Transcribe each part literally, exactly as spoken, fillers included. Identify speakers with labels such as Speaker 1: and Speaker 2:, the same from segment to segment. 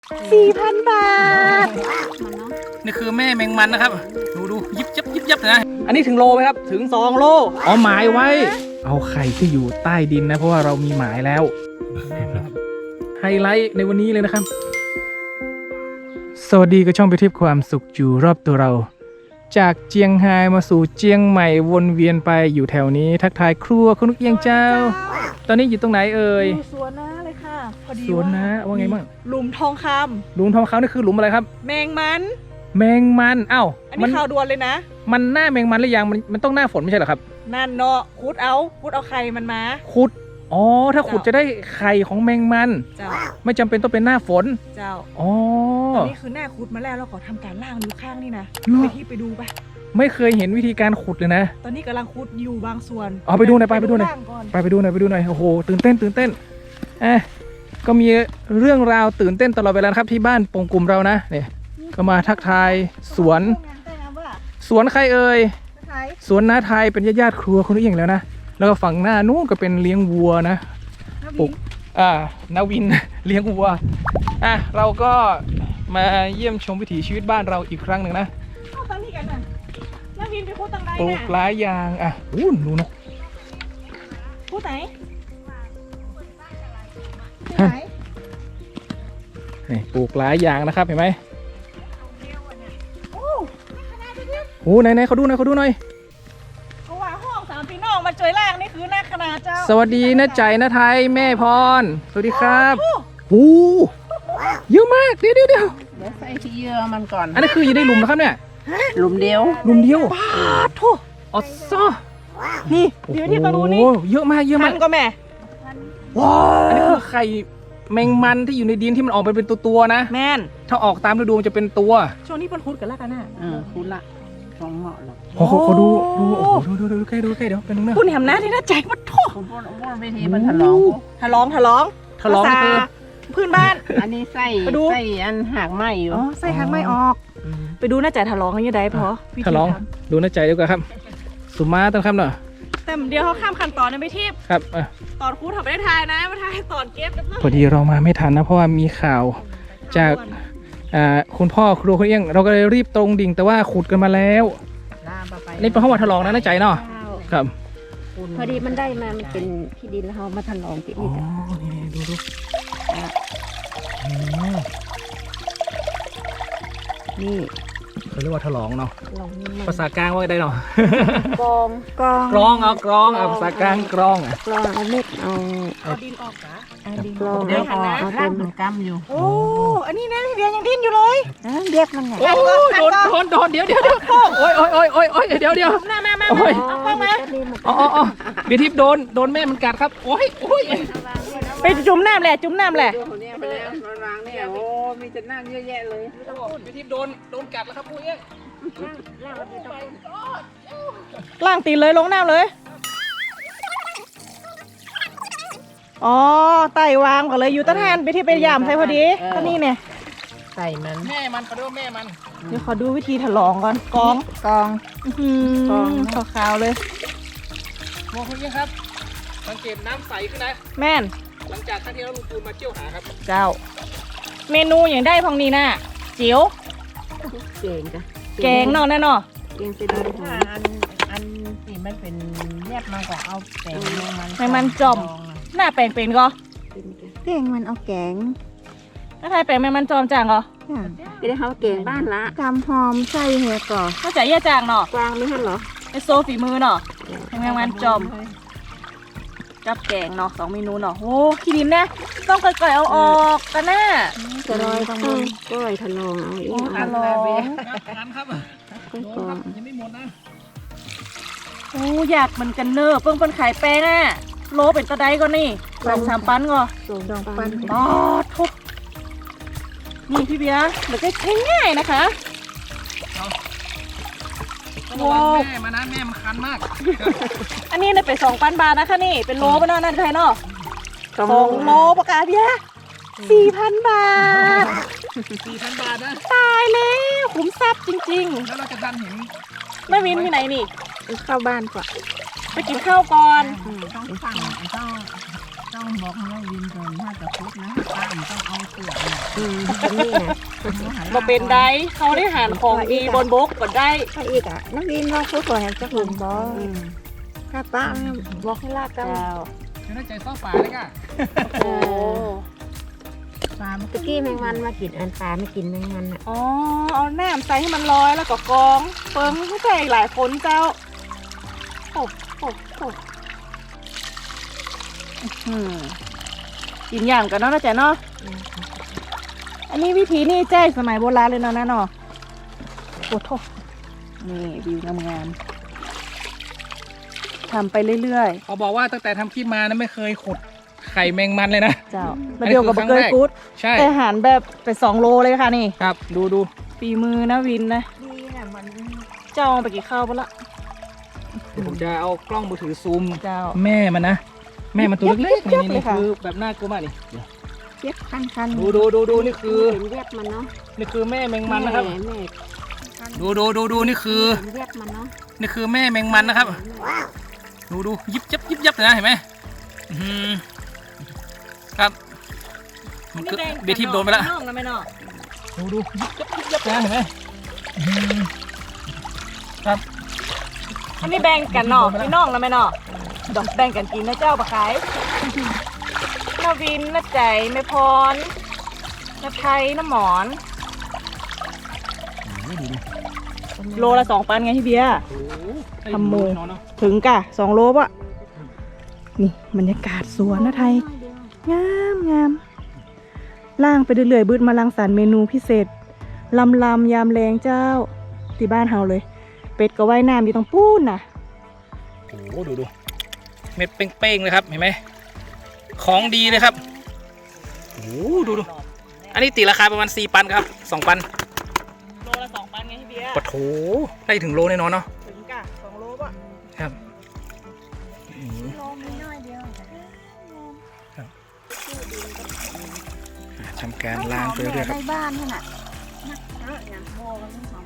Speaker 1: สี่พันบาท
Speaker 2: นี่คือแม่แมงมันนะครับดูดูยิบยับยิบยับนะอันนี้ถึงโลไหมครับถึง
Speaker 1: สองโล
Speaker 2: อ๋อหมายไว้เอาไข่ที่อยู่ใต้ดินนะเพราะว่าเรามีหมายแล้วไฮไลท์ในวันนี้เลยนะครับสวัสดีกับช่องไปทิพย์ความสุขอยู่รอบตัวเราจากเจียงไฮ้มาสู่เจียงใหม่วนเวียนไปอยู่แถวนี้ทักทายครัวคุณนุกเอียงเจ้าตอนนี้อยู่ตรงไหนเอ่ย
Speaker 1: สวนนะเลยค่ะพอดี
Speaker 2: สวนนะว่าไงบ้าง
Speaker 1: หลุมทองคำ
Speaker 2: หลุมทองคำนี่คือหลุมอะไรครับ
Speaker 1: แมงมัน
Speaker 2: แมงมันเอ้า
Speaker 1: อันนี้ข่าวด่วนเลยนะ
Speaker 2: มันหน้าแมงมันหรือยังมันมันต้องหน้าฝนไม่ใช่เหรอครับ
Speaker 1: นั่นเนาะขุดเอาขุดเอาไข่มันมา
Speaker 2: ขุดอ๋อถ้าขุดจะได้ไข่ของแมงมัน
Speaker 1: เจ้า
Speaker 2: ไม่จำเป็นต้องเป็นหน้าฝน
Speaker 1: เจ้า
Speaker 2: อ๋อ
Speaker 1: ตอนนี้คือหน้าขุดมาแล้วเราขอทำการล่างนิ้วข้างนี่นะไปที่ไปดูไป
Speaker 2: ไม่เคยเห็นวิธีการขุดเลยนะ
Speaker 1: ตอนนี้กำลังขุดอยู่บางส่วน
Speaker 2: อ๋อไปดูหน่อยไปไปดูหน่อยไปไปดูหน่อยไปดูหน่อยโอ้โหตื่นเต้นตื่นเต้นเอ๊ะก็มีเรื่องราวตื่นเต้นตลอดเวลาครับที่บ้านปงกลุ่มเรานะเนี่ยก็มาทักทายสวนสวนใครเอ่ยสวนน้าไทยเป็นญาติๆครัวคุณนุกเอียงแล้วนะแล้วก็ฝั่งหน้านู้นก็เป็นเลี้ยงวัวนะปลูกอ่านาวิน เลี้ยงวัวอ่ะเราก็มาเยี่ยมชมวิถีชีวิตบ้านเราอีกครั้งหนึ่งนะ
Speaker 1: ตอนนี้กันนะนาวินไปพูดตังไรนะ
Speaker 2: ปลูกหลายอย่างอ่ะอู้ดูนก
Speaker 1: พูดไหนที่ไหน
Speaker 2: นี่ปลูกหลายอย่างนะครับเห็นไหม
Speaker 1: โอ้
Speaker 2: โหไหนไหนเขาดูหน่อยเขาดูหน่อย
Speaker 1: เขาว่าห้องสามพี่น้องมาช่วยแรกนี่คือหน้าขนาดเจ้า
Speaker 2: สวัสดีนะใจนะไทยแม่พรสวัสดีครับโอ้เยอะมากเดี๋ยวเดี๋ยวเดี๋ยว
Speaker 3: เดี๋ยวใส่ที่เยื่อมันก่อน
Speaker 2: อันนี้คืออยู่ในหลุมนะครับเนี่ย
Speaker 3: หลุมเดียว
Speaker 2: หลุมเดียว
Speaker 1: ปาดทุ
Speaker 2: อ๋อซอ
Speaker 1: นี่เดี๋ยวที่ตะลุนี่
Speaker 2: เยอะมากเยอะมาก
Speaker 1: ก็แม่ว้า
Speaker 2: อันนี้คือไข่แมงมันที่อยู่ในดินที่มันออกไปเป็นตัวๆนะ
Speaker 1: แม่น
Speaker 2: ถ้าออกตามฤดูมันจะเป็นตัว
Speaker 1: ช่วงนี้เป็นคุดกันแล้วกันน่ะ
Speaker 3: เออคุดละสองเหาะหรอก
Speaker 2: โอ้โหดูดูโอ้โหดูดูดูใกล้ดูใกล้เดี๋ยวเป็นนึงนะ
Speaker 1: คุณแหมนะที่น่าใจมันทุ
Speaker 3: คุณพูดพูดวิธีมันทะลอง
Speaker 1: ทะลองทะลอง
Speaker 2: ทะลองนี่คือ
Speaker 1: พื้นบ้าน
Speaker 3: อันนี้ใส่ใส่อันหากไม้อยู่
Speaker 1: อ๋อใส่หางไม้ออกไปดูน่าใจทะลองยังไงพอ
Speaker 2: ทะลองดูน่าใจดีกว่าครับสุมาต้องครับหน่อย
Speaker 1: แต่เดี๋ยวเขาข้ามขั้นตอนนะไปทิพย์
Speaker 2: ครับ
Speaker 1: ตอนครูทำไม่ได้ทายนะมาทายตอนเก็บ
Speaker 2: พอดีเรามาไม่ทันนะเพราะว่ามีข่าวจากคุณพ่อครูคุณเอี้ยงเราก็เลยรีบตรงดิ่งแต่ว่าขุดกันมาแล้วนี่เป็นห้องวัดทะลองนะน่าใจเนาะครับ
Speaker 4: พอดีมันได้มามันเป็นที่ดินแล้วเขามาทะลองติดนี่จ้ะ
Speaker 2: นี่ดูดู
Speaker 4: นี่
Speaker 2: เขาเรียกว่าทะลองเนาะภาษากลางว่าได้เนาะ
Speaker 4: กรองกรอง
Speaker 2: กรองเอากรองเอาภาษากลางกรองอ่ะ
Speaker 4: กรองเอาเม็ดเอา
Speaker 1: เอาดินออกนะ
Speaker 4: กรอง
Speaker 3: เดี๋ยวพอเอาเต็มมันกำอยู่
Speaker 1: โอ้อันนี้นะพี่เบียร์ยังดิ้นอยู่เลย
Speaker 4: เรียกมันไง
Speaker 2: โอ้โดนโดนโดนเดี๋ยวเดี๋ยวเดี๋ยวโอ้ยโอ้ยโอ้ยโอ้ยโอ้ยเดี๋ยวเดี๋ยว
Speaker 1: มามามาโอ้ยเอาเข้ามา
Speaker 2: อ๋ออ๋อเบียร์ทิพย์โดนโดนแม่มันกัดครับโอ้ยโอ้ย
Speaker 1: ไปจุ่มน้ำแหละจุ่มน้ำแหละ
Speaker 3: ไปแล้วรางเนี่ยโอ้มีจะนั่งเยอะแยะเลย
Speaker 2: เบียร์ทิพย์โดนโดนกัดแล้วครับพูดเอง
Speaker 1: ล่างตีนเลยลงน้ำเลยอ๋อไต่วางก่อนเลยอยู่ต้นแทนไปที่ไปยามใส่พอดีก็นี่เนี่ย
Speaker 3: ใส่มัน
Speaker 2: แม่มันเขาเรียกว่าแม่มัน
Speaker 1: เดี๋ยวขอดูวิธีถลองก่อนกอง
Speaker 3: กอง
Speaker 1: กองขาวๆเลย
Speaker 2: มองคุณยิ่งครับสังเกตน้ำใสขึ้นนะ
Speaker 1: แม่น
Speaker 2: หลังจากครั้งที่เราลุงปูนมาเที่ยวหาครับ
Speaker 1: เจ้าเมนูอย่างได้พองนี้น่ะจิ๋ว
Speaker 4: แกงจ้ะ
Speaker 1: แกงเนาะแน่นอน
Speaker 4: แกงเป็น
Speaker 3: อันอันที่มันเป็นแยบมากกว่าเอาแป้งมัน
Speaker 1: แป้งมันจอมหน้าแป้งเป็นก็
Speaker 4: แกงมันเอาแกง
Speaker 1: ถ้าไทยแป้งแม่มันจอมจางก็
Speaker 4: ไปได้เขาแกงบ้านละกำหอมใส่เหือก่อ
Speaker 1: เข้าใจแย่จางเนาะ
Speaker 4: กวางไม่ทันเหรอ
Speaker 1: ไอโซฝีมือเนาะแมงมันจอมกับแกงเนาะสองเมนูเนาะโอ้ขี้ดินนะต้องก่อยๆเอาออกกันนะ
Speaker 4: จะลอยต้องก้อยทะลองเอาอีก
Speaker 1: ทะลอง
Speaker 2: ทันครับยังไม่หมดนะ
Speaker 1: โอ้อยากมันกันเนอเพิ่งเป็นขายแป้งอ่ะโลเป็นตะไดก็นี่สองสามปันก็
Speaker 4: สองปัน
Speaker 1: อ๋อทุบนี่พี่เบียร์มันจะใช้ง่ายนะคะ
Speaker 2: ว้าวแม่มานะแม่มันคันมาก
Speaker 1: อันนี้เนี่ยเป็นสองพันบาทนะคะนี่เป็นโลปะเนาะนั่นใครเนาะสองโลปะกาเบียสี่พันบาท
Speaker 2: สี่พันบาทนะ
Speaker 1: ตายแล้วคุ้มทรัพย์จริง
Speaker 2: ๆแล้วเราจะดันเห็น
Speaker 1: แม่วินที่ไหนนี่
Speaker 4: เข้าบ้านก่อน
Speaker 1: ไปกินข้าวก่อน
Speaker 3: ต้องสั่งต้องต้องบอกให้วินก่อนถ้าจะพุดนะป้ามันต้องเอาเสือเนี่ย
Speaker 4: อืมตรงนี้นะ
Speaker 1: มาเป็นได้เขาได้หารของดีบนบกก็ได้
Speaker 4: ถ้าอีกอ่ะน้องวินว่าเขาขอแหมจักหลุมบ่ถ้าป้าบอกให้ลากกัน
Speaker 1: เจ้า
Speaker 2: จะได้ใจซ่อป่าเลยก่ะ
Speaker 1: โอ้
Speaker 3: ปลามัน
Speaker 4: ตะกี้แมงมันมากินอันปลาไม่กินแมงมันอ่ะ
Speaker 1: อ๋อเอาแหนมใส่ให้มันลอยแล้วก็กองเฟิงผู้ใจหลายคนเจ้าโอ้โอ้โอ้อืมกินอย่างกันเนาะนะจ๊ะเนาะอันนี้วิธีนี่แจ้สมัยโบราณเลยเนาะนะเนาะโอ้โหนี่วิวงามๆทำไปเรื่อยๆ
Speaker 2: เขาบอกว่าตั้งแต่ทำคลิปมานะไม่เคยขุดไข่แมงมันเลยนะ
Speaker 1: เจ้า
Speaker 2: อัน
Speaker 1: มา
Speaker 2: นี้
Speaker 1: เดียวกับ
Speaker 2: คือ
Speaker 1: เบอร์เกอ
Speaker 2: ครั้งแรก
Speaker 1: ร์กู๊ด
Speaker 2: ใช่
Speaker 1: แต่อาหารแบบไปสองโลเลยค่ะนี่
Speaker 2: ครับดูดู
Speaker 1: ฝีมือนะวินนะ
Speaker 4: ดีนะมัน
Speaker 1: เจ้าเอาไปกี่ข้าวปะละ
Speaker 2: เดี๋ยวผมจะเอากล้องมือถือซูม
Speaker 1: เจ้า
Speaker 2: แม่มันนะแม่มันตัวเล็กๆ
Speaker 1: เย็
Speaker 2: นี่
Speaker 1: บๆ
Speaker 2: นี่
Speaker 1: เลยค่ะ
Speaker 2: คือแบบน่ากลัวมากนี่
Speaker 4: เจ็บคันคัน
Speaker 2: ดูดูดูดูนี่คือ
Speaker 4: เห็นเวียดมันเนาะ
Speaker 2: นี่คือแม่แมงมันนะครับ
Speaker 4: แม่แม่
Speaker 2: ดูดูดูดูนี่คือ
Speaker 4: เห็นเวียดมันเนาะ
Speaker 2: นี่คือแม่แมงมันนะครับ ดูดูยิบยับยิบยับเลยนะเห็นไหมอื้อหือครับมันคือเบทีมโดนไปแล้ว
Speaker 1: น้องนะแม่น้อง
Speaker 2: ดูดูยิบยับยิบยับนะเห็นไหมอื้อหือครับ
Speaker 1: อันนี้แบ่งกันเนาะพี่น้องนะแม่น้องดอกแบ่งกันกินนะเจ้าปะขายน้าวินน้าใจแม่พรน้าไทยน้าหมอน
Speaker 2: ดูดู
Speaker 1: โลละสองปันไงพี่เบียร์
Speaker 2: โอ้โห
Speaker 1: ทำมือ
Speaker 2: เนาะเนาะ
Speaker 1: ถึงกะสองโลปะนี่บรรยากาศสวนนะไทย งามงามล่างไปเรื่อยๆบืดมาลังสรรค์เมนูพิเศษลำลำยามแรงเจ้าที่บ้านเฮาเลย เป็ดก็ว่ายน้ำอยู่ตรงปูนน่ะ
Speaker 2: โอ้โหดูดูเม็ดเป้งๆเลยครับเห็นไหมของดีเลยครับโอ้โหดูดูอันนี้ตีราคาประมาณสี่ปันครับสองปัน
Speaker 1: โลละสองปันไงพี่เบียร์
Speaker 2: ปะโถได้ถึงโลแน่นอนเนาะ
Speaker 1: ถึงกะสองโลปะ
Speaker 2: ครับอืม
Speaker 4: โลมีน้อยเดียว
Speaker 2: ทำการล้างไปเรื่อยๆครับ
Speaker 4: ในบ้านนี่น่ะนักเยอะอย่างโบมันต้องหอม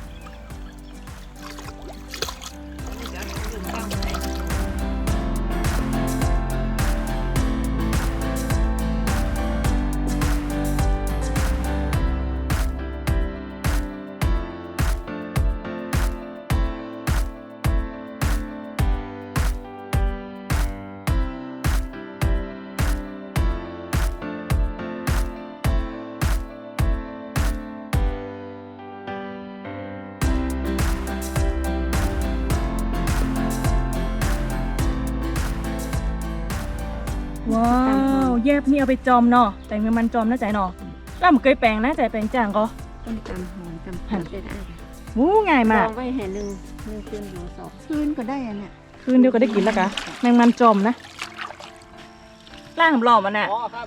Speaker 1: ว้าวแยบนี่เอาไปจอมเนาะแต่งเป็นมันจอมนะใจเนาะแล้วมันเคยแปลงนะใจแปลงจางก็
Speaker 4: ต้นตำหอมตำผัดได้ได้
Speaker 1: วู้ง่ายมาก
Speaker 4: ลองไว้แห่หนึ่งหนึ่งคืนอยู่สองคืนก็ได้อะเนี่ย
Speaker 1: คืนเดียวก็ได้กินแล้วกะแมงมันจอมนะล่างหำหล่อมันน่ะ
Speaker 2: อ๋อครับ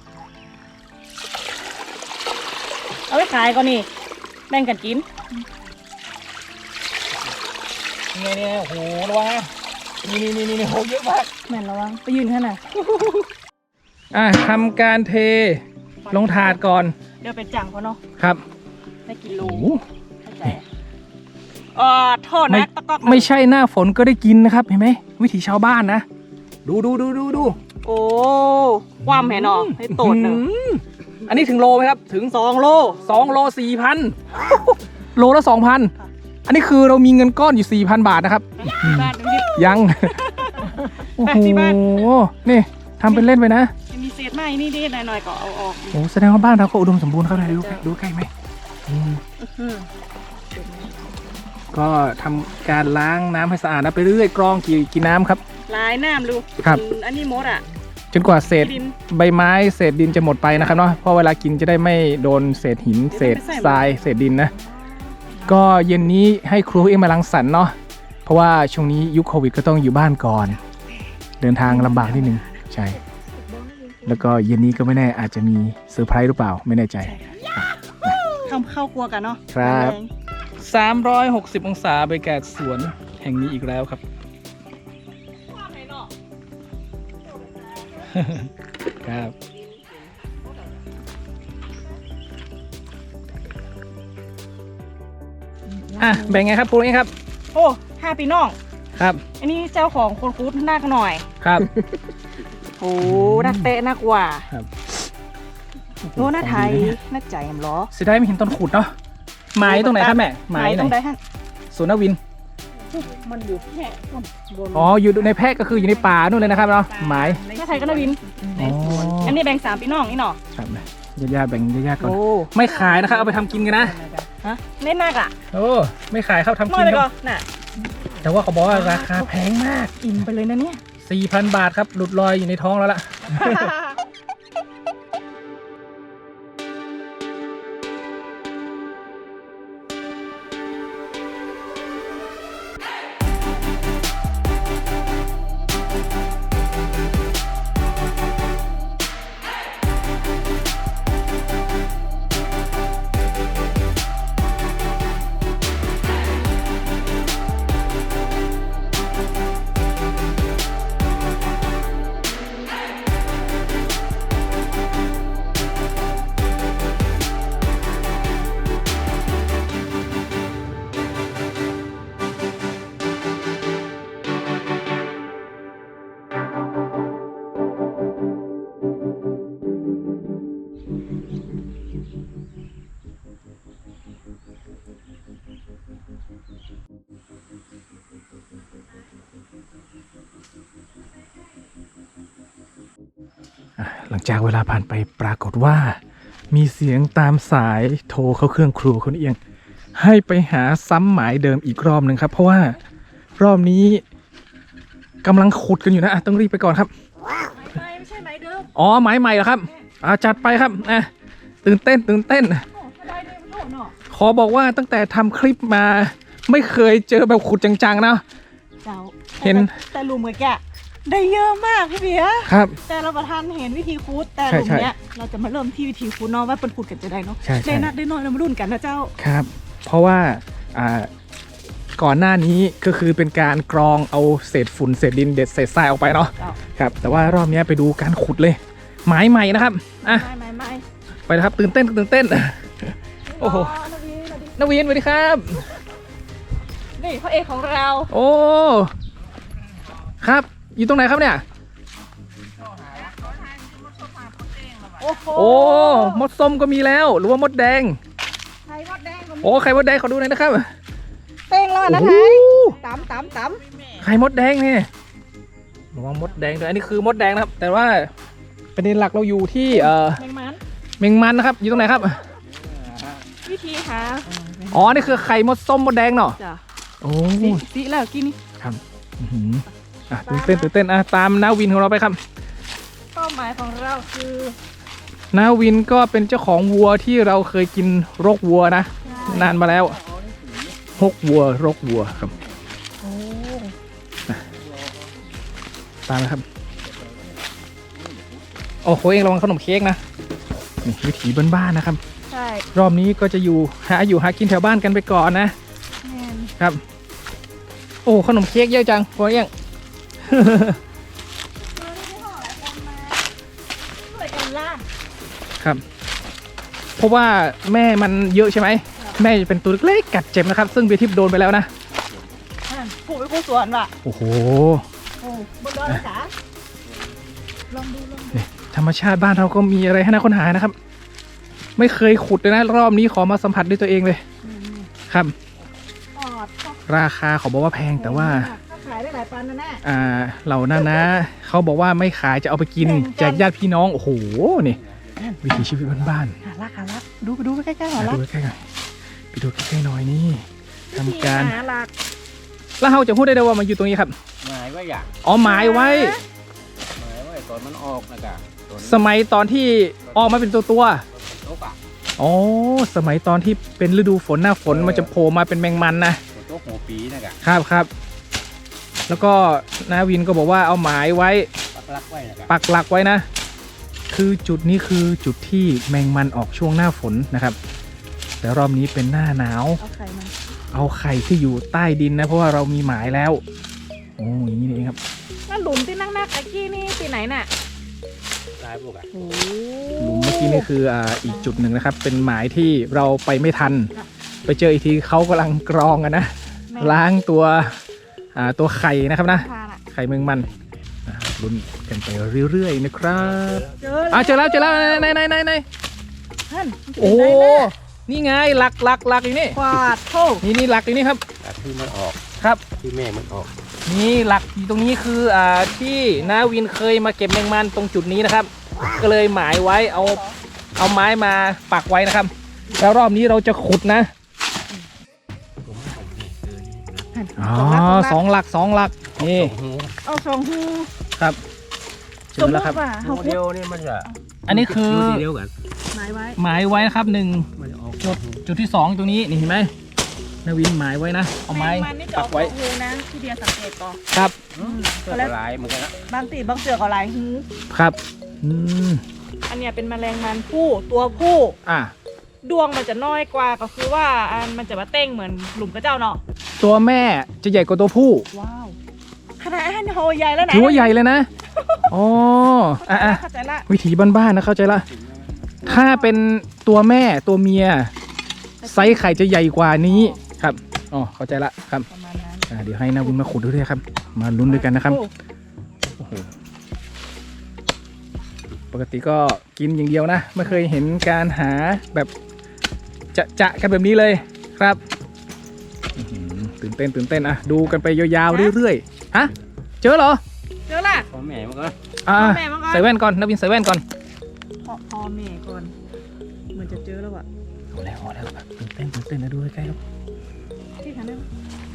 Speaker 1: เอาไปขายก็นี่แบ่งกันกิน
Speaker 2: ยังไงเนี่ยโอ้โหระวังนะนี่นี่นี่นี่โหเยอะมาก
Speaker 1: แม่นระวังไปยืนข้างหน้า
Speaker 2: อ่ะทำการเทลงถาดก่อน
Speaker 1: เดี๋ยวเป็นจังเขาเนาะ
Speaker 2: ครับ
Speaker 1: ได้กินโล
Speaker 2: โอ้โห
Speaker 1: เข้าใจเอ่อโทษ
Speaker 2: ไม่
Speaker 1: นะตะกอก
Speaker 2: ไม่ใช่หน้าฝนก็ได้กินนะครับเห็นไหมวิถีชาวบ้านนะดูดูดูดูดู
Speaker 1: โอ้ความแห่นอให้โตดหนึ่ง
Speaker 2: อืมอันนี้ถึงโลไหมครับถึง
Speaker 1: สองโล
Speaker 2: สองโลสี่พันโลละสองพัน
Speaker 1: ค่ะ
Speaker 2: อันนี้คือเรามีเงินก้อนอยู่สี่พันบาทนะครับ
Speaker 1: บ้านดูดิ
Speaker 2: ยัง โอ้โห
Speaker 1: ที่บ้าน
Speaker 2: นี่ทำเป็นเล่นไปนะ
Speaker 1: ยังมีเศษไม้นี่ดิหน่อยๆก็เอาออก
Speaker 2: โอ้แสดงว่าบ้านเราก็อุดมสมบูรณ์ครับดูใกล้ดูใกล้ไหมอืม
Speaker 1: อืม
Speaker 2: ก็ทำการล้างน้ำให้สะอาดนะไปเรื่อยกรองกี่กี่น้ำครับ
Speaker 1: ลายน้ำดู
Speaker 2: ครับ
Speaker 1: อืมอันนี้มดอ่ะ
Speaker 2: จนกว่าเศษ
Speaker 1: ดิน
Speaker 2: ใบไม้เศษดินจะหมดไปนะครับเนาะเพราะเวลากินจะได้ไม่โดนเศษหิน เศษทรายเศษดินนะ ก็เย็นนี้ให้ครูเอ็มมาลังสรรค์เนาะเพราะว่าช่วงนี้ยุคโควิดก็ต้องอยู่บ้านก่อน เดินทางลำบากนิดนึงใช่ แล้วก็เย็นนี้ก็ไม่แน่อาจจะมีเซอร์ไพรส์หรือเปล่าไม่แน่ใจ
Speaker 1: ทำข้าวครัวกันเนาะ
Speaker 2: ครับ
Speaker 1: แรง
Speaker 2: สามร้อยหกสิบองศาบรรยากาศสวนแห่งนี้อีกแล้วครับ
Speaker 1: ความแห่นอ
Speaker 2: ครับอ่ะแบ่งไงครับปูนี่ครับ
Speaker 1: โอ้ห้าปีน้อง
Speaker 2: ครับ
Speaker 1: อันนี้เจ้าของคนคูดหน้ากันหน่อย
Speaker 2: ครับ
Speaker 1: โหอ้นักเตะนักว่า
Speaker 2: ครับ
Speaker 1: โอ้หน้าไทยหน้าใจแอมล้อ
Speaker 2: เสียดายไม่เห็นตอนขุดเนาะหมายตรงไหนครับแม่หมาย
Speaker 1: ตรง
Speaker 2: ไห
Speaker 1: ใด
Speaker 2: น
Speaker 1: ฮะ
Speaker 2: สวนนวิน
Speaker 3: มันอยู่แค่ต้นบน
Speaker 2: อ๋ออยู่ในแพร่ก็คืออยู่ในป่านู่นเลยนะครับเนาะหมาย
Speaker 1: หน้าไทยก็นาวิน
Speaker 3: ในสวน
Speaker 1: อันนี้แบ่งสามพี่น้องนี่เนาะ
Speaker 2: ครับญาติๆแบ่งญาติๆก่อน
Speaker 1: โอ้
Speaker 2: ไม่ขายนะครับเอาไปทำกินกันนะ
Speaker 1: ฮะเล่นหนักอ่ะ
Speaker 2: โอ้ไม่ขายครับทำ
Speaker 1: น้
Speaker 2: กิ
Speaker 1: อย
Speaker 2: น
Speaker 1: ไป
Speaker 2: ค
Speaker 1: ก่อ
Speaker 2: รับ
Speaker 1: นน่ะ
Speaker 2: แต่ว่าเขาบอกว่าราคาแพงมาก
Speaker 1: อิ่มไปเลยนะเนี่ย
Speaker 2: สี่พัน บาทครับหลุดลอยอยู่ในท้องแล้วล่ะ หลังจากเวลาผ่านไปปรากฏว่า มีเสียงตามสายโทรเข้าเครื่องครัวคนเอียง ให้ไปหาซ้ำหมายเดิมอีกรอบหนึ่งครับ เพราะว่ารอบนี้กำลังขุดกันอยู่นะอ่ะต้องรีบไปก่อนครับ
Speaker 1: ไม่ไม่ใช่ไหมเดิม
Speaker 2: อ๋อหมายใหม่เหรอครับอ่าจัดไปครับอ่ะตื่นเต้นตื่นเต้น
Speaker 1: โอ้ถ้าได้เดิมโดดเนาะ
Speaker 2: ขอบอกว่าตั้งแต่ทำคลิปมาไม่เคยเจอแบบขุดจังๆนะ
Speaker 1: เจ้า
Speaker 2: เห็น
Speaker 1: แต่หลุมเหมือนแกะได้เยอะมากพี่เบียร์
Speaker 2: ครับ
Speaker 1: แต่เราประทานเห็นวิธีคูดแต่ห
Speaker 2: ใช่
Speaker 1: ลุม
Speaker 2: ใช่
Speaker 1: เนี้ยเราจะมาเริ่มที่วิธีคูดเนาะว่าเป็นคูดกันจะได้เนาะ
Speaker 2: ใช่ใช่
Speaker 1: ได้นักได้น้อยเรามารุ่นกันนะเจ้า
Speaker 2: ครับ เพราะว่าอ่าก่อนหน้านี้ก็คือเป็นการกรองเอาเศษฝุ่นเศษดินเด็ดเศษทรายออกไปเนาะ
Speaker 1: เจ้า
Speaker 2: ครับแต่ว่ารอบนี้ไปดูการขุดเลยหมายใหม่นะครับอ่ะ
Speaker 1: ไม่ไม่ไม่
Speaker 2: ไปนะครับตื่นเต้นตื่นเต้น โอ้โห
Speaker 1: นาวีนาวี
Speaker 2: นวินสวัสดีครับ
Speaker 1: นี่พระเอกของเรา
Speaker 2: โอ้ครับอยู่ตรงไหนครับเนี่ย
Speaker 1: โอ้โห
Speaker 2: โอ้มดส้มก็มีแล้วหรือว่ามดแดง
Speaker 1: ไข่มดแดง
Speaker 2: โอ้ไข่มดแดงขอดูหน่อยนะครับ
Speaker 1: เต้งแล้วนะ
Speaker 2: โอ้
Speaker 1: ไท
Speaker 2: โห
Speaker 1: ยตำตำต
Speaker 2: ไข่มดแดงนี่ระวังมดแดงด้วยอันนี้คือมดแดงนะครับ แต่ว่าประเด็นหลักเราอยู่ที่เอ่อ
Speaker 1: ำแมงมัน
Speaker 2: เมงมันนะครับอยู่ตรงไหนครับ
Speaker 1: วิธีหา
Speaker 2: อ๋อนี่คือไข่มดส้มมดแดงเนาะ
Speaker 1: จ้ะ
Speaker 2: โอ้
Speaker 1: สีสีแล้วกินนี่
Speaker 2: ครับอื้อหืออ่ะตื่นเต้นตื่นเต้นอ่ะตามนาวินของเราไปครับ
Speaker 1: เป้าหมายของเราคือ
Speaker 2: นาวินก็เป็นเจ้าของวัวที่เราเคยกินรกวัวนะ นานมาแล้วฮกวัวรกวัวครับ
Speaker 1: โอ้
Speaker 2: ตามนะครับโอ้โหเองระวังขนมเค้กนะนี่วิถีบ้านๆนะครับ
Speaker 1: ใช่
Speaker 2: รอบนี้ก็จะอยู่หาอยู่หากินแถวบ้านกันไปก่อนนะ
Speaker 1: แมน
Speaker 2: ครับ โอ้ขนมเค้กเยอะจังพอยัง
Speaker 1: ช่วยกันล่า
Speaker 2: ครับ เพราะว่าแม่มันเยอะใช่ไหมแม่จะเป็นตัวเล็กๆกัดเจ็บนะครับ ซึ่งเบียร์ทิพย์โดนไปแล้วนะ
Speaker 1: ผูกไปคู่สวนว่ะ
Speaker 2: โอ้โห
Speaker 1: โอ้บนดอยเลยจ๋าลองดูลองดู
Speaker 2: ธรรมชาติบ้านเราก็มีอะไรให้น่าค้นหานะครับ ไม่เคยขุดเลยนะรอบนี้ขอมาสัมผัสด้วยตัวเองเลยครับ
Speaker 1: ปอด
Speaker 2: ราคาเขาบอกว่าแพงแต่ว่า
Speaker 1: ถ้าขายได้หลายปันนะแน่
Speaker 2: อ่าเหล่านั้นนะเขาบอกว่าไม่ขายจะเอาไปกิน
Speaker 1: แบ่งกัน
Speaker 2: แจกญาติพี่น้องโอ้โหนี่วิถีชีวิตบ้าน
Speaker 1: หาลักหาลักดูไปดูไปใกล้ๆ
Speaker 2: ๆ
Speaker 1: หา
Speaker 2: อ่ะ
Speaker 1: ลัก
Speaker 2: ดูใกล้ๆหน่อยไปดูใกล้ๆหน่อยนี่ทำการ
Speaker 1: หาลัก
Speaker 2: แล้วเราจะพูดได้เลยว่ามันอยู่ตรงนี้ครับ
Speaker 3: หมายว่าอย่าง
Speaker 2: อ๋อหมายไว้
Speaker 3: หมายว่าตอนมันออกนะกะตอน
Speaker 2: สมัยตอนที่ออกมาเป็นตัวตัว
Speaker 3: ตกอ่ะ
Speaker 2: ๆอ๋อสมัยตอนที่เป็นฤดูฝนหน้าฝนมันจะโผล่มาเป็นแมงมันนะ
Speaker 3: ตกหัวปีนะกะ
Speaker 2: ครับครับ แล้วก็นาวินก็บอกว่าเอาหมายไว้
Speaker 3: ปักลักไว้นะกะ
Speaker 2: ปักหลักไว้นะ คือจุดนี้คือจุดที่แมงมันออกช่วงหน้าฝนนะครับ แต่รอบนี้เป็นหน้าหนาว
Speaker 1: เอาไข่มา
Speaker 2: เอาไข่ที่อยู่ใต้ดินนะเพราะว่าเรามีหมายแล้วโอ้อย่างนี้นี่เองครับ
Speaker 1: แล้วหลุมที่นั่งหน้าตะกี้นี่ที่ไหนน่ะ
Speaker 3: ตายพวกอ่ะ
Speaker 1: โอ้
Speaker 2: หลุมเมื่อกี้นี่คืออ่าอีกจุดหนึ่งนะครับ เป็นหมายที่เราไปไม่ทัน ไปเจออีกทีเขากำลังกรองกันนะ ล้างตัวอ่าตัวไข่นะครับนะ
Speaker 1: ทานอ่ะ
Speaker 2: ไข่แมงมันอ่าลุ้นกันไปเรื่อยๆนะครับ
Speaker 1: เจอ
Speaker 2: อ่ะเจอแล้วเจอแล้วไหนไหนไหนไหน
Speaker 1: ท่าน
Speaker 2: โอ้นี่ไงหลักหลักหลักอยู่นี่
Speaker 1: กวาดโทษ
Speaker 2: นี่นี่หลักอยู่นี่ครับ
Speaker 5: แต่ที่มันออก
Speaker 2: ครับ
Speaker 5: ที่แม่มันออก
Speaker 2: นี่หลักอยู่ตรงนี้คืออ่าที่นาวินเคยมาเก็บแมงมันตรงจุดนี้นะครับ ก็เลยหมายไว้เอาเอาไม้มาปักไว้นะครับ แล้วรอบนี้เราจะขุดนะอ๋อสองหลักสองหลักนี่
Speaker 1: เอาสองหู
Speaker 2: ครับเจอแล้วครับ
Speaker 1: ว่า
Speaker 5: โม
Speaker 1: เขา
Speaker 5: เดลนี่มันจะ
Speaker 2: อันนี้คือ
Speaker 5: ยู่ที่เดียวกัน
Speaker 1: หมายไว้
Speaker 2: หมายไว้นะครับหนึ่ง
Speaker 5: มันจะออก
Speaker 2: จุดจุดที่สองตรงนี้นี่เห็นไหมนาวินหมายไว้นะเอาไม้
Speaker 1: แมงมันนี่จะ
Speaker 2: ปั
Speaker 1: ออก ก
Speaker 2: ไว้
Speaker 1: หูนะที่เดียสังเกตก่อน
Speaker 2: ครับ
Speaker 5: ก็หลายเหมือนกันนะ
Speaker 1: บางตีบางเสือกเอาหลายหู
Speaker 2: ครับอืม
Speaker 1: อันเนี้ยเป็นแมลงมันผู้ตัวผู้
Speaker 2: อ่ะ
Speaker 1: ดวงมันจะน้อยกว่าก็คือว่าอันมันจะมาเต้งเหมือนหลุมกระเจ้าเนาะ
Speaker 2: ตัวแม่จะใหญ่กว่าตัวผู้
Speaker 1: ว้าวขนาดอันโหใหญ่แล้วนะ
Speaker 2: ถือว่าใหญ่เลยนะอ๋ออ่ะอ่ะ
Speaker 1: เข้าใจละ
Speaker 2: วิถีบ้านๆนะเข้าใจละถ้าเป็นตัวแม่ตัวเมียไซส์ไข่จะใหญ่กว่านี้ครับอ๋อเข้าใจละครับ
Speaker 1: ประมาณนั้น
Speaker 2: อ่ะเดี๋ยวให้นาวินมาขุดด้วยครับ มาลุ้นด้วยกันนะครับ
Speaker 1: โอ้
Speaker 2: โอ้โหปกติก็กินอย่างเดียวนะ ไม่เคยเห็นการหาแบบจะจะกันแบบนี้เลยครับอื้อหือตื่นเต้นตื่นเต้นอะดูกันไปยาวๆเรื่อยๆฮะเจอเหรอ
Speaker 1: เจอละ
Speaker 5: พ่อแม่มันก็
Speaker 2: อ่า
Speaker 1: พ่อแม่มาก่อน
Speaker 2: ใส่แว่นก่อนนาวินใส่แว่นก่อน
Speaker 1: พ่อพ่อแม่ก่อนเหมือนจะเจอแล้วอะ
Speaker 2: เอาแล้วเอาแล้วตื่นเต้นตื่นเต้นนะดูใกล้ๆครับ
Speaker 1: ที่ทำได้ไหม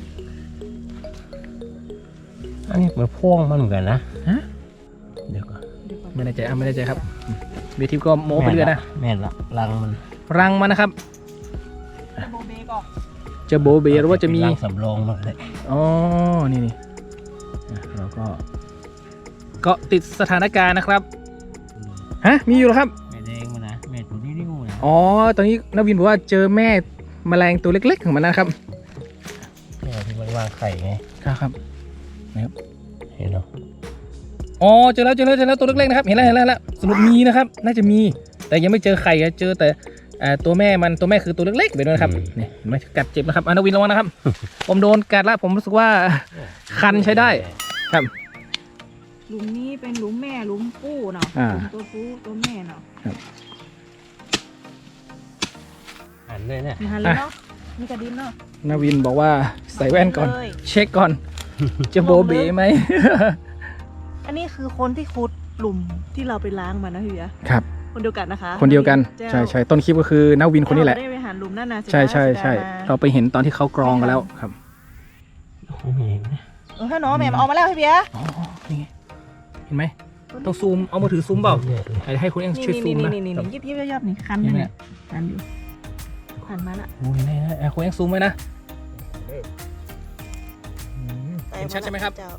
Speaker 5: อันนี้เหมือนพ่วงมันเหมือนกันนะ
Speaker 2: ฮะ
Speaker 5: เดี๋ยวก่อน
Speaker 1: เดี๋ยวก่อน
Speaker 2: ไม่แน่ใจอ่ะไม่แน่ใจครับเบทิปก็โม้ไปเรื่อยนะ
Speaker 5: แม่นละรังมัน
Speaker 2: รังมันนะครับ
Speaker 1: โบเบก่อน
Speaker 2: จะโบเบหรือว่าจะมี
Speaker 5: รังสำรองมันเลย
Speaker 2: อ๋อนี่นี่อ่ะเราก็เกาะติดสถานการณ์นะครับฮะมีอยู่เหรอครับ
Speaker 5: แม่แดงมันนะแม่ตัวนี้นิ้วนะ
Speaker 2: อ๋อ ตอนนี้นวินบอกว่าเจอแม่แมลงตัวเล็กๆของมันนะครับ
Speaker 5: แม่ที่มันวางไข่ไง
Speaker 2: ครับครับ
Speaker 5: เห็นเนาะ
Speaker 2: อ๋อ เจอแล้วเจอแล้วเจอแล้วตัวเล็กๆนะครับ เห็นแล้วเห็นแล้วเห็นแล้วสรุปมีนะครับ น่าจะมี แต่ยังไม่เจอไข่อะเจอแต่อ่าตัวแม่มันตัวแม่คือตัวเล็กๆไปด้วยนะครับ นี่เห็นไหมกัดเจ็บนะครับอนวินระวังนะครับ ผมโดนกัดแล้วผมรู้สึกว่าคันใช้ได้ ครับ
Speaker 1: หลุมนี้เป็นหลุมแม่หลุมผู้เนาะ
Speaker 2: อ่า
Speaker 1: หลุมตัวผู้ตัวแม่เนาะ
Speaker 5: หันเลยเนี่ย
Speaker 1: มีหันเลยเนาะมีกระดิ่งเนาะ
Speaker 2: นวินบอกว่าใส่แว่นก่อน
Speaker 1: เลย
Speaker 2: เช็คก่อน จะโบเบไหม
Speaker 1: อันนี้คือคนที่ขุดหลุมที่เราไปล้างมานะพี่เบียร์
Speaker 2: ครับ
Speaker 1: คนเดียวกันนะคะ
Speaker 2: คนเดียวกัน
Speaker 1: แจ้ว
Speaker 2: ใช่ใช่ต้นคลิปก็คือนวินคนนี้แหละ
Speaker 1: เราได้ไปหาหลุมนั่นนะ
Speaker 2: ใช่ใช่ใช่
Speaker 1: สียดาย
Speaker 2: เราไปเห็นตอนที่เขากรองกันแล้วครับ
Speaker 5: โอ้โหเห็นนะ
Speaker 1: เออถ้าน้องแม่มาเอามาแล้วพี่เบียร์
Speaker 2: อ๋อ นี่ไง เห็นไหม ต้องซูม เอามือถือซูมเปล่า
Speaker 5: เนี่ยเลย
Speaker 2: ให้ให้คุณเอง
Speaker 1: นี่
Speaker 2: ช่วยซู
Speaker 1: นี่
Speaker 2: ม
Speaker 1: นี่
Speaker 2: นะ
Speaker 1: นี่
Speaker 2: ครับ
Speaker 1: นี่ยิบยิบยับนี่คัน
Speaker 2: เห็นไหม
Speaker 1: เนี่ยคันอยู่คันมาละ
Speaker 2: โอ้ยนี่นะอ่ะคุณเองซูมไว้นะเห็นชัดใช่ไหมครับ
Speaker 1: เจ้า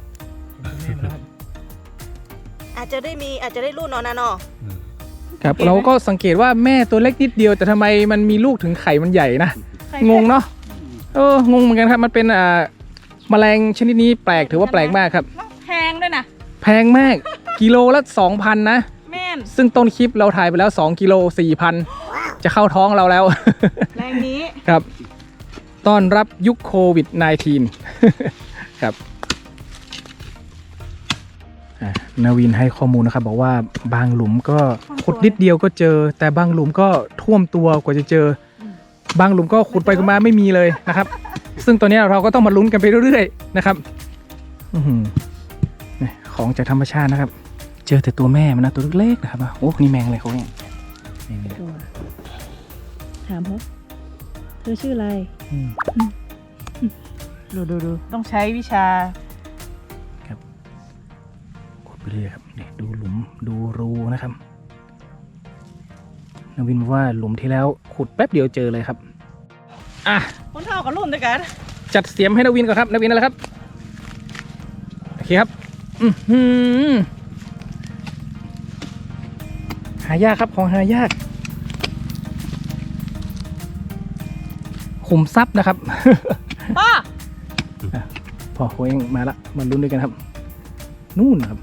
Speaker 1: อาจจะได้มีอาจจะได้รุ่นเนาะนะเนาะ
Speaker 5: อืม
Speaker 2: ครับ เราก็สังเกตว่าแม่ตัวเล็กนิดเดียว แต่ทำไมมันมีลูกถึงไข่มันใหญ่นะ งงเนาะ เออ งงเหมือนกันครับ มันเป็นอ่าแมลงชนิดนี้แปลก ถือว่าแปลกมากครับ
Speaker 1: แพงด้วยนะ
Speaker 2: แพงมาก กิโลละสองพันนะ
Speaker 1: แม่น
Speaker 2: ซึ่งต้นคลิปเราถ่ายไปแล้วสองกิโลสี่พันจะเข้าท้องเราแล้ว
Speaker 1: แรงนี้
Speaker 2: ครับ ต้อนรับยุคโควิด สิบเก้า ครับอ่ะนาวินให้ข้อมูลนะครับ บอกว่าบางหลุมก็ขุดนิดเดียวก็เจอ แต่บางหลุมก็ท่วมตัวกว่าจะเจอ บางหลุมก็ขุดไปขุดมาไม่มีเลยนะครับ ซึ่งตอนนี้เราก็ต้องมาลุ้นกันไปเรื่อยๆนะครับอื้อหือนี่ของจากธรรมชาตินะครับ เจอแต่ตัวแม่มันนะตัวเล็กๆนะครับโอ้นี่แมงอะไรเขาเนี่ยนี่นี่
Speaker 1: ถามเขาเธอชื่ออะไร
Speaker 2: อืม
Speaker 1: ดูดูดูต้องใช้วิชา
Speaker 2: ขุดไปเรื่อยครับนี่ดูหลุมดูรูนะครับนาวินบอกว่าหลุมที่แล้วขุดแป๊บเดียวเจอเลยครับอ่ะ
Speaker 1: คนเท่ากับรุ่นด้วยกัน
Speaker 2: จัดเสียมให้นาวินก่อนครับนาวินนั่นแหละครับโอเคครับอือหือหายากครับของหายากขุมทรัพย์นะครับ
Speaker 1: ป้า
Speaker 2: พอโค้งมาละมาลุ้นด้วยกันครับ นู่นครับ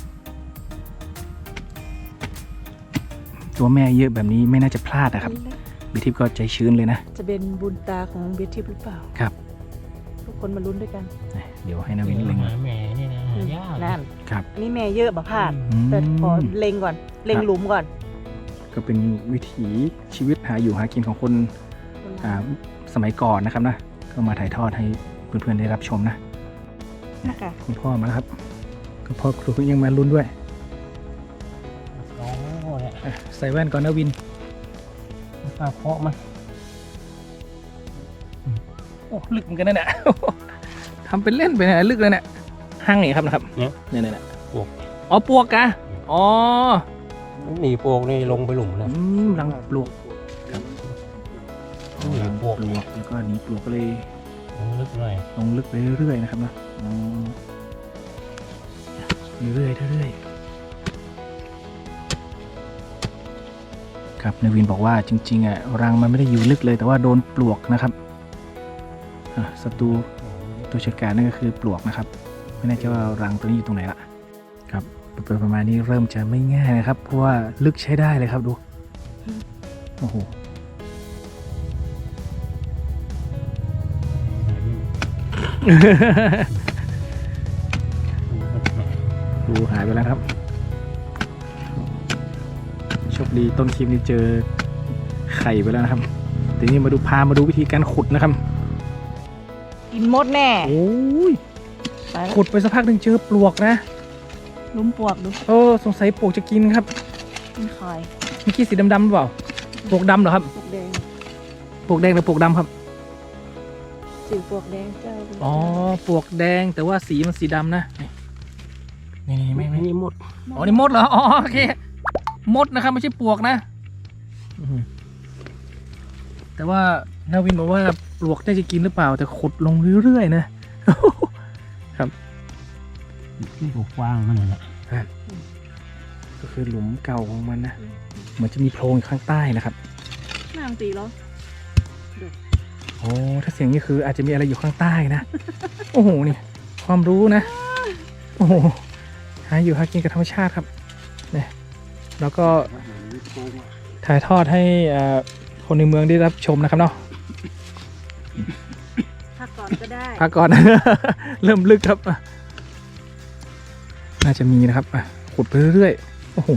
Speaker 2: ตัวแม่เยอะแบบนี้ไม่น่าจะพลาดนะครับบิทิพย์ก็ใจชื้นเลยนะ
Speaker 1: จะเป็นบุญตาของเบทิปหรือเปล่า
Speaker 2: ครับ
Speaker 1: ทุกคนมาลุ้นด้วยกัน
Speaker 2: เดี๋ยวให้นาวินเล็ง
Speaker 5: หาแม่นี่นะหาายาก
Speaker 3: นั่น
Speaker 2: ครับ
Speaker 1: อันนี้แม่เยอะบ่พลาด
Speaker 2: อืม
Speaker 1: แต่ขอเล็งก่อน เล็งหลุมก่อน
Speaker 2: ก็เป็นวิถีชีวิตหาอยู่หากินของคนอ่าสมัยก่อนนะครับนะก็มาถ่ายทอดให้เพื่อนๆได้รับชมนะ
Speaker 1: นะคะ
Speaker 2: คุณพ่อมาแล้วครับคุณพ่อครูยังมาลุ้นด้วย
Speaker 5: ลองโง่เนี่ย
Speaker 2: อ่ะใส่แว่นก่อนนะวิน
Speaker 5: ปลาเพาะมัน
Speaker 2: โอ้ลึกเหมือนกันนะเนี่ย ทำเป็นเล่นไปนะลึกเลยเนี่ยห้างไหนครับนะครับ
Speaker 5: เนี่ย
Speaker 2: เนี่ยเนี่ย
Speaker 5: ปวก
Speaker 2: อ๋อปวกกะอ๋อ
Speaker 5: หนีปลวกนี่ลงไปหลุมนะ
Speaker 2: อืมรังปลวกครับ
Speaker 5: หนี
Speaker 2: รัง
Speaker 5: ปลวก
Speaker 2: ปลวกแล้วก็หนีปลวกก็เลย
Speaker 5: ลงลึกหน่อย
Speaker 2: ลงลึกไปเรื่อยๆนะครับนะอ๋อเรื่อยๆเรื่อยๆครับนายวินบอกว่าจริงๆอ่ะรังมันไม่ได้อยู่ลึกเลย แต่ว่าโดนปลวกนะครับอ่ะศัตรูตัวจัดการนั่นก็คือปลวกนะครับไม่แน่ใจว่ารังตัวนี้อยู่ตรงไหนละครับเป็นประมาณนี้เริ่มจะไม่ง่ายนะครับ เพราะว่าลึกใช้ได้เลยครับดูโอ้โหดูหายไปแล้วครับโชคดีต้นคลิปนี้เจอไข่ไปแล้วนะครับทีนี้มาดูพามาดูวิธีการขุดนะครับ
Speaker 1: กินมดแน่
Speaker 2: โอ้ย
Speaker 1: ไปแล้ว
Speaker 2: ขุดไปสักพักหนึ่งเจอปลวกนะ
Speaker 1: หลุมปลวกดู
Speaker 2: เออสงสัยปลวกจะกินครับ
Speaker 1: กินคอย
Speaker 2: เมื่อกี้สีดำๆหรือเปล่าปลวกดำเหรอครับ
Speaker 1: ปลวกแดง
Speaker 2: ปลวกแดงหรือปลวกดำครับ
Speaker 1: สีปลวกแดงเจ้า
Speaker 2: อ๋อปลวกแดงแต่ว่าสีมันสีดำนะนี่นี่ไม่ไม่
Speaker 5: นี่หมด
Speaker 2: อ๋อนี่มดเหรออ๋อโอเคมดนะครับไม่ใช่ปลวกนะอื้อหือแต่ว่านาวินบอกว่าปลวกได้จะกินหรือเปล่า แต่ขุดลงเรื่อยๆนะ
Speaker 5: นี่ปลวกกว้างมันเลยนะ
Speaker 2: ก็คือหลุมเก่าของมันนะเหมือนจะมีโพรงอยู่ข้างใต้นะครับ
Speaker 1: น้ำตีเหรอ
Speaker 2: โอ้ถ้าเสียงนี้คืออาจจะมีอะไรอยู่ข้างใต้นะ โอ้โหนี่ความรู้นะ โอ้โหหาอยู่หากินกับธรรมชาติครับเนี่ยแล้วก็ถ่ายทอดให้อ่าคนในเมืองได้รับชมนะครับเนาะ
Speaker 1: พักก่อนก็ได้
Speaker 2: พักก่อน เริ่มลึกครับอ่ะน่าจะมีนะครับอ่ะขุดไปเรื่อยๆโอ้โห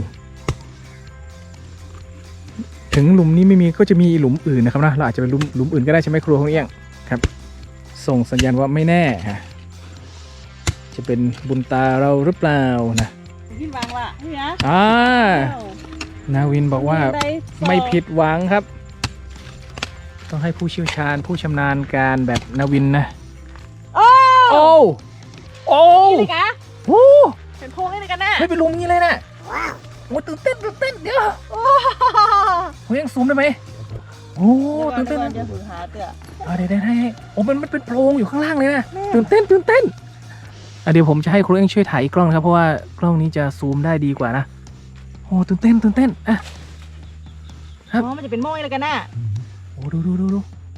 Speaker 2: ถึงหลุมนี้ไม่มีก็จะมีหลุมอื่นนะครับนะเราอาจจะเป็นหลุมหลุมอื่นก็ได้ใช่ไหมครัวของเอี้ยงครับ ส่งสัญญาณว่าไม่แน่ฮะจะเป็นบุญตาเราหรือเปล่านะ
Speaker 1: กินวางละนี่นะ
Speaker 2: อ่านาวินบอกว่าไม่ผิดหวังครับ ต้องให้ผู้เชี่ยวชาญผู้ชำนาญการแบบนาวินนะ
Speaker 1: โอ้
Speaker 2: โอ้โอ้
Speaker 1: นี่กะ
Speaker 2: โห
Speaker 1: เป็นโพงนี่กันนะ
Speaker 2: ไม่เป็นลุมงี้เลยนะโอ้ตื่นเต้นตื่นเต้นเดี๋ยวเฮ้ยยังซูมได้ไหมโอ้ตื่นเต้น
Speaker 1: จะถือหาเตื้อ
Speaker 2: อ่าเดี๋ยวได้ให้โอ้มันมันเป็นโพรงอยู่ข้างล่างเลยนะตื่นเต้นตื่นเต้นอ่ะเดี๋ยวผมจะให้ครูเอ็งช่วยถ่ายอีกกล้องนะครับเพราะว่ากล้องนี้จะซูมได้ดีกว่านะโอ้ตื่นเต้นตื่นเต้นอ่ะ ครับ
Speaker 1: อ๋อมันจะเป็นโม่นี่กันนะ
Speaker 2: โอ้ดูดูดูดู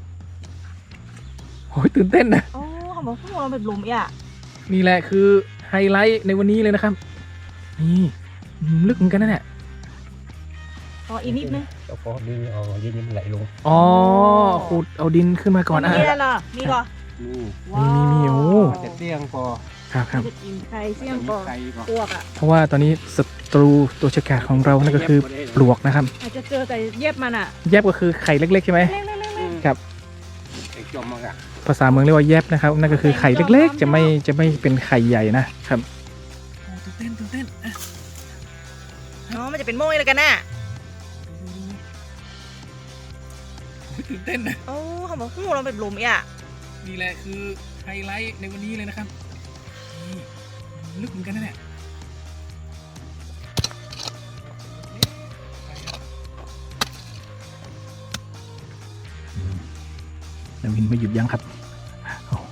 Speaker 2: โอ้ยตื่นเต้นนะ
Speaker 1: โอ้เขาบอกพวกเราเป็นหลุมอ่ะ
Speaker 2: นี่แหละคือไฮไลท์ในวันนี้เลยนะครับนี่อืมลึกเหมือนกันนะเนี่ย
Speaker 1: อ๋ออีกนิดนึง
Speaker 5: เจ้าของนี่เอาดินนี่มันไหลลง
Speaker 2: อ๋อขุดเอาดินขึ้นมาก่อนอ่ะ
Speaker 1: นี่แล้วเหรอนี่ก่อน
Speaker 5: นี่
Speaker 2: มีมีมีโอ้
Speaker 5: จะเตี้ยงพอ
Speaker 2: ครับครับ
Speaker 1: จะกินไข่เสี่ยงปอ
Speaker 5: ไข่ก่อน
Speaker 1: ปลวกอ่ะ
Speaker 2: เพราะว่าตอนนี้ศัตรูตัวฉกาจของเรานั่นก็คือปลวกนะครับ
Speaker 1: อาจจะเจอแต่เย็บมันอ่ะ
Speaker 2: แยบก็คือไข่เล็กๆใช่ไหม
Speaker 1: เล็กๆ
Speaker 2: ครับ
Speaker 5: ไอ้จอมมากอะ
Speaker 2: ภาษาเมืองเรียกว่าแยบนะครับนั่นก็คือไข่เล็กๆ จะไม่จะไม่เป็นไข่ใหญ่นะครับตื่นเต้นตื่นเต้น
Speaker 1: ๆอ๋อมันจะเป็นโม่นี่กันนะ
Speaker 2: ตื่นเต้นนะ
Speaker 1: โอ้เขาบอกพวกเราเป็นหลุมอ่ะ
Speaker 2: นี่แหละคือไฮไลท์ในวันนี้เลยนะครับนี่ลึกเหมือนกันนะเนี่ยนาวินไม่หยุดยั้งครับโอ้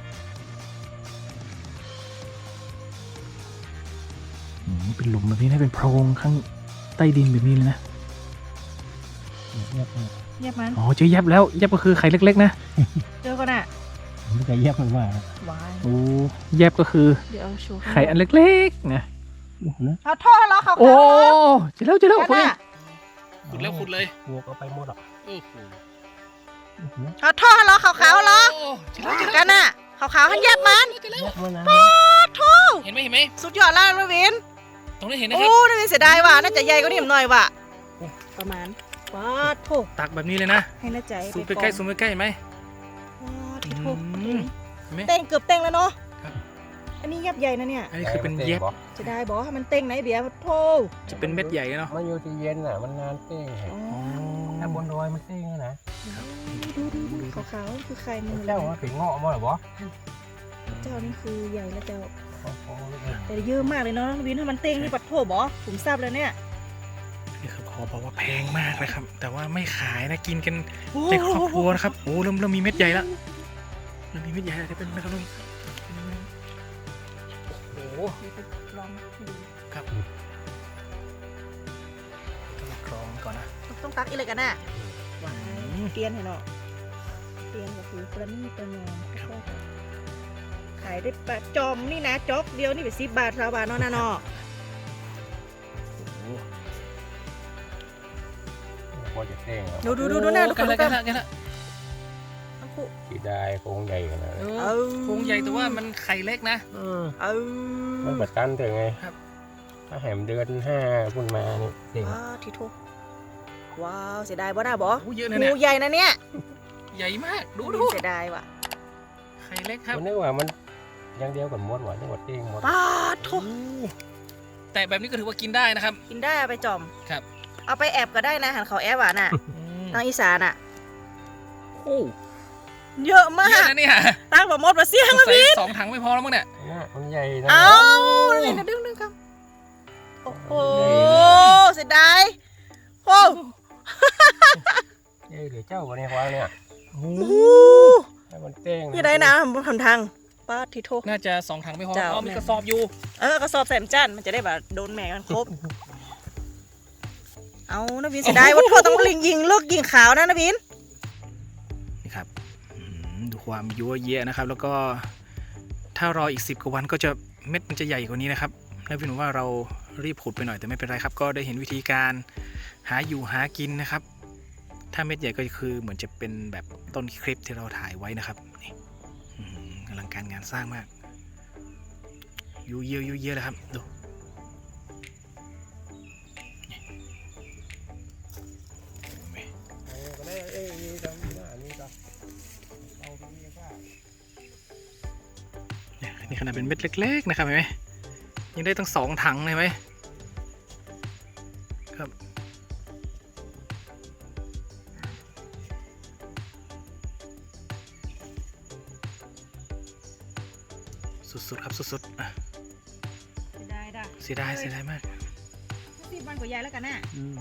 Speaker 2: อืมเป็นหลุมแบบนี้นะเป็นโพรงข้างใต้ดินแบบนี้เลยนะ
Speaker 5: เย็บมัน
Speaker 1: เย็บมัน
Speaker 2: อ๋อเจอแยบแล้วแยบก็คือไข่เล็กๆนะ
Speaker 1: เจอกันอ่ะ
Speaker 5: มันจะเย็บมันว่า
Speaker 1: วาย
Speaker 2: โอ้แยบก็คือ
Speaker 1: เดี๋ยวเอาโชว์
Speaker 2: ไข่อันเล็กๆนะ
Speaker 5: นะ
Speaker 1: เอาท่อแล้วเขา
Speaker 2: โอ้เจอแล้วเจอแล้ว
Speaker 1: กัน
Speaker 2: คุณ
Speaker 1: อ่ะ
Speaker 2: ขุดแล้วขุดเลย
Speaker 5: บวกเอาไปหมดอ่ะ
Speaker 1: เอาท่อแล้วขาวๆแล้ว
Speaker 2: เจอแล้วเจอแล้ว
Speaker 1: กันอ่ะขาวๆให้เย็บมัน
Speaker 5: เย็บมันนะ
Speaker 1: โโถ
Speaker 2: เห็นไหมเห็นไหม
Speaker 1: สุดยอดล่างนะวิน
Speaker 2: ตรงนี้เห็นนะ
Speaker 1: โอ้
Speaker 2: ครับ
Speaker 1: นาวินเสียดายว่ะน่าจะใหญ่กว่านี้หน่อยว่ะ
Speaker 2: โอ้
Speaker 1: ประมาณปาดโถ
Speaker 2: ตักแบบนี้เลยนะ
Speaker 1: ให้น่าใจ
Speaker 2: ซูมใกล้ๆซูมใกล้ๆเห็นไหม
Speaker 1: ปาดที่โถ
Speaker 2: อืม เห็นไหม
Speaker 1: เต้งเกือบเต้งแล้วเนาะ
Speaker 2: ครับ
Speaker 1: อันนี้ยับใหญ่นะเนี่ย
Speaker 2: อันนี้คือเป็นเย็บ
Speaker 1: จะได้บอกให้มันเต้งไหนเบียร์โถ
Speaker 2: จะเป็นเม็ดใหญ่เนาะ
Speaker 5: มันอยู่ที่เย็นอ่ะมันนานเต้ง
Speaker 1: อ๋อ
Speaker 5: ถ้าบนดอยมันเต้งนะ
Speaker 1: ดูดูดูขาวๆคือไข่มือ
Speaker 5: เจ้าว่าถึงเงาะมั้งหรอบ่
Speaker 1: เจ้านี่คือใหญ่แล้วเจ้า
Speaker 5: โอ้โห
Speaker 1: แต่เยอะมากเลยเนาะวินถ้ามันเต้งนี่ปัดโถบอผมทราบเลยเนี่ย
Speaker 2: นี่คือขอบอกว่าแพงมากนะครับ แต่ว่าไม่ขายนะกินกันในครอบครัวนะครับโอ้เริ่มเริ่มมีเม็ดใหญ่แล้วเริ่มมีเม็ดใหญ่แล้วจะเป็นนะครับลุงโอ้โห
Speaker 1: ลองดู
Speaker 2: ครับต้องมากรองก่อนนะ
Speaker 1: ต้องตักอีกเลยกันน่ะ
Speaker 2: อืม
Speaker 1: เตียนให้เนาะเตียนก็คือประณีประนอมค่อยๆขายได้ปะจอมนี่นะจ๊อกเดียวนี่ไปสิบบาทสามบาทเนาะนะเนาะ
Speaker 5: พอจะเต้ง
Speaker 1: ดูดูดูดูหน้าดู
Speaker 2: กัน
Speaker 1: ดู
Speaker 2: ละ
Speaker 1: กั
Speaker 2: กัน นละกันละ
Speaker 1: ทั้งคู่
Speaker 5: สีได้คงใหญ่ขนาด
Speaker 2: เอ
Speaker 5: นั้น
Speaker 2: อโครงใหญ่แต่ว่ามันไข่เล็กนะ
Speaker 5: อืม
Speaker 1: เออ
Speaker 5: มันแบบตันถึงไง
Speaker 2: ครับ
Speaker 5: ถ้าแหมเดือนห้าพุ่นมานี่เต้ง
Speaker 1: ว้าวทีโทว้าวเสียดายบ่น่าบอ
Speaker 2: โอ้เยอะนะเนี่ย
Speaker 1: หูใหญ่นะเนี่ย
Speaker 2: ใหญ่มากดูดู
Speaker 1: เสียดายว่ะ
Speaker 2: ไข่เล็กครับ
Speaker 5: มันนึกว่ามันยังเดียวกับมดหวานจังหวัดเต้งหมด
Speaker 1: ป้าดโถ
Speaker 2: แต่แบบนี้ก็ถือว่ากินได้นะครับ
Speaker 1: กินได้เอาไปจอม
Speaker 2: ครับ
Speaker 1: เอาไปแอบก็ได้นะหันเขาแอบอ่ะน่ะ
Speaker 2: อืม
Speaker 1: ทางอีสานอ่ะ
Speaker 2: โอ้
Speaker 1: เยอะมา
Speaker 2: เยอะ
Speaker 1: ก
Speaker 2: นะเนี่ย
Speaker 1: ตั้งแบบมดมาเสียง
Speaker 2: สงสัยสองถังไม่พอแล้วมั้งเนี่ย
Speaker 5: เนี่ยมันใหญ่นะ
Speaker 1: เอาเลยนะดึงดึงครับ โอ้โห เสียดายโอ้
Speaker 5: เอ้ยเดี๋ยวเจ้าวันนี้ควางเนี่ย
Speaker 2: โอ้
Speaker 1: โห
Speaker 5: ให้มันเต้ง
Speaker 1: อยังไงนะทำทางป้าทิโท
Speaker 2: น่าจะสองถังไม่พอ
Speaker 1: เจ้า
Speaker 2: อ๋อมีกระสอบอยู่
Speaker 1: เออกระสอบแสมจันมันจะได้แบบโดนแหม่กันครบ เอานะบินเสียดายว่าโทษต้องลิงยิงเลิกยิงขาวนะนะบิน
Speaker 2: นี่ครับอืมดูความยั่วเยะนะครับ แล้วก็ถ้ารออีกสิบกว่าวันก็จะเม็ดมันจะใหญ่กว่านี้นะครับแล้วพี่หนุ่มว่าเรารีบขุดไปหน่อยแต่ไม่เป็นไรครับ ก็ได้เห็นวิธีการหาอยู่หากินนะครับ ถ้าเม็ดใหญ่ก็คือเหมือนจะเป็นแบบต้นคลิปที่เราถ่ายไว้นะครับนี่อืมอลังการงานสร้างมากยูเยอะยูเยอะเลยครับดูนี่เห็นไหม
Speaker 5: เออก็ได้เอ้ยนี่ก็มีหน้านี่ก็เอาตรงนี้ก็
Speaker 2: เนี่ยนี่ขนาดเป็นเม็ดเล็กๆนะครับเห็นไหมยังได้ตั้งสองถังเลยไหมครับสุดๆครับสุดๆอ่ะ
Speaker 1: เสียดายด่ะ
Speaker 2: เสียดายเสียดายมาก
Speaker 1: สิบวันกว่ายายแล้วกันน่ะ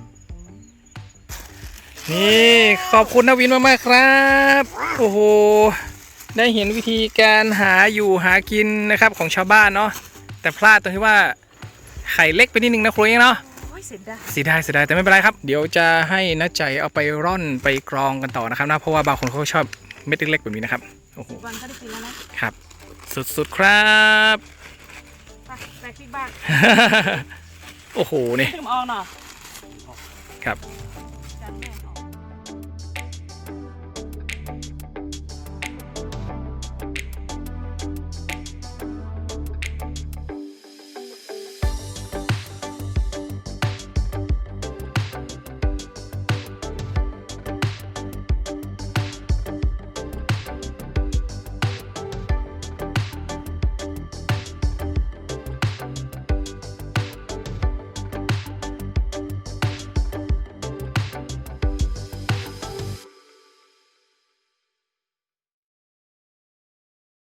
Speaker 2: นี่ขอบคุณนวินมากๆครับ โอ้โห ได้เห็นวิธีการหาอยู่หากินนะครับของชาวบ้านเนาะแต่พลาดตรงที่ว่าไข่เล็กไปนิดนึงนะครูเองเนาะ
Speaker 1: โอ้ยเสียดาย
Speaker 2: เสียดายเสียดายแต่ไม่เป็นไรครับ เดี๋ยวจะให้น้าใจเอาไปร่อนไปกรองกันต่อนะครับนะเพราะว่าบางคนเขาก็ชอบเม็ดเล็กๆแบบนี้นะครับโอ้โห
Speaker 1: วันก็ได้กินแล้วนะครับ
Speaker 2: สุดๆครับ
Speaker 1: ไปแบกพี่บ้าน
Speaker 2: โอ้โหนี่
Speaker 1: ถึงออกเนาะ
Speaker 2: ครับ